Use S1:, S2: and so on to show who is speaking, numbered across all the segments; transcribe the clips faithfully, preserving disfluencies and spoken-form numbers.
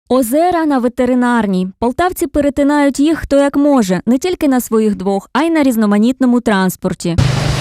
S1: Озера на ветеринарній. Полтавці перетинають їх хто як може, не тільки на своїх двох, а й на різноманітному транспорті.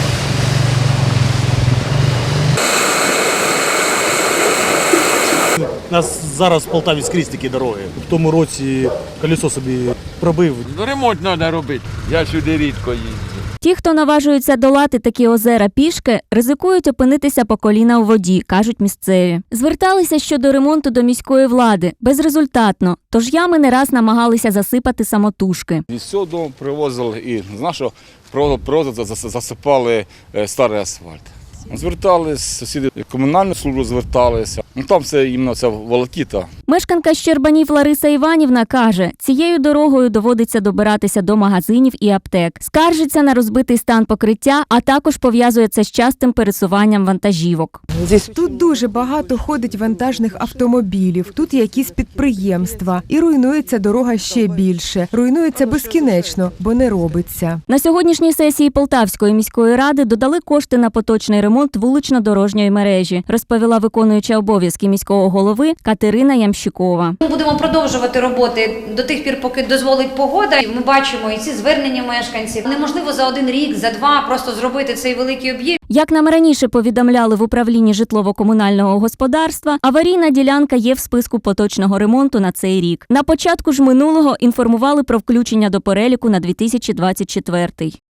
S2: У нас зараз в Полтаві скрізь такі дороги. В тому році колесо собі пробив.
S3: Ремонт треба робити. Я сюди рідко їздю.
S1: Ті, хто наважуються долати такі озера пішки, ризикують опинитися по коліна у воді, кажуть місцеві. Зверталися щодо ремонту до міської влади. Безрезультатно. Тож ями не раз намагалися засипати самотужки.
S4: Із цього дому привозили і з нашого привозили, засипали старий асфальт. Звертались, сусіди в комунальну службу зверталися. Ну, там все іменно ця волокіта.
S1: Мешканка Щербанів Лариса Іванівна каже, цією дорогою доводиться добиратися до магазинів і аптек. Скаржиться на розбитий стан покриття, а також пов'язує це з частим пересуванням вантажівок.
S5: Тут дуже багато ходить вантажних автомобілів, тут якісь підприємства. І руйнується дорога ще більше. Руйнується безкінечно, бо не робиться.
S1: На сьогоднішній сесії Полтавської міської ради додали кошти на поточний ремонт вулично-дорожньої мережі, розповіла виконуюча обов'язки міського голови Катерина Ямщикова.
S6: Ми будемо продовжувати роботи до тих пір, поки дозволить погода. Ми бачимо і ці звернення мешканців. Неможливо за один рік, за два просто зробити цей великий об'єкт.
S1: Як нам раніше повідомляли в управлінні житлово-комунального господарства, аварійна ділянка є в списку поточного ремонту на цей рік. На початку ж минулого інформували про включення до переліку на дві тисячі двадцять четвертий.